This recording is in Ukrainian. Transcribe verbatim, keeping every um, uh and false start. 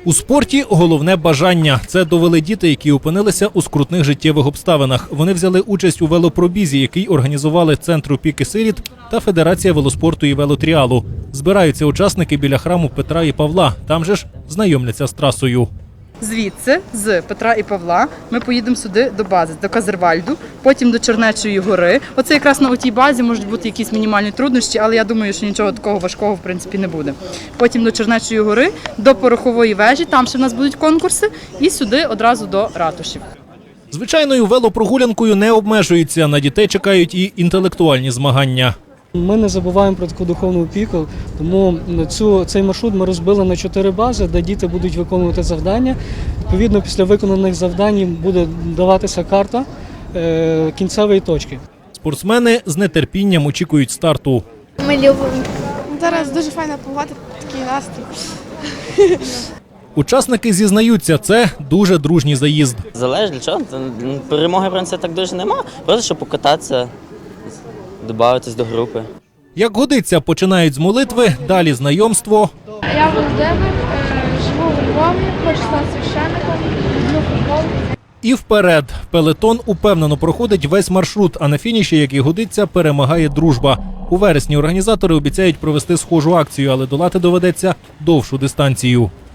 У спорті головне бажання. Це довели діти, які опинилися у скрутних життєвих обставинах. Вони взяли участь у велопробізі, який організували Центр опіки сиріт та Федерація велоспорту і велотріалу. Збираються учасники біля храму Петра і Павла. Там же ж знайомляться з трасою. Звідси, з Петра і Павла, ми поїдемо сюди до бази, до Казервальду, потім до Чернечої гори. Оце якраз на отій базі можуть бути якісь мінімальні труднощі, але я думаю, що нічого такого важкого в принципі не буде. Потім до Чернечої гори, до Порохової вежі, там ще в нас будуть конкурси, і сюди одразу до ратушів. Звичайною велопрогулянкою не обмежуються. На дітей чекають і інтелектуальні змагання. Ми не забуваємо про таку духовну опіку, тому цю, цей маршрут ми розбили на чотири бази, де діти будуть виконувати завдання. Відповідно, після виконаних завдань буде даватися карта е, кінцевої точки. Спортсмени з нетерпінням очікують старту. Ми любимо. Зараз дуже файна погода, такий настрій. Учасники зізнаються, це дуже дружній заїзд. Залежить для чого. Перемоги, в принципі, так дуже нема. Просто щоб покататися, додатись до групи. Як годиться, починають з молитви, далі знайомство. Я Володимир, живу у Львові, хочу стати священником, люблю футбол. І вперед. Пелетон упевнено проходить весь маршрут, а на фініші, як і годиться, перемагає дружба. У вересні організатори обіцяють провести схожу акцію, але долати доведеться довшу дистанцію.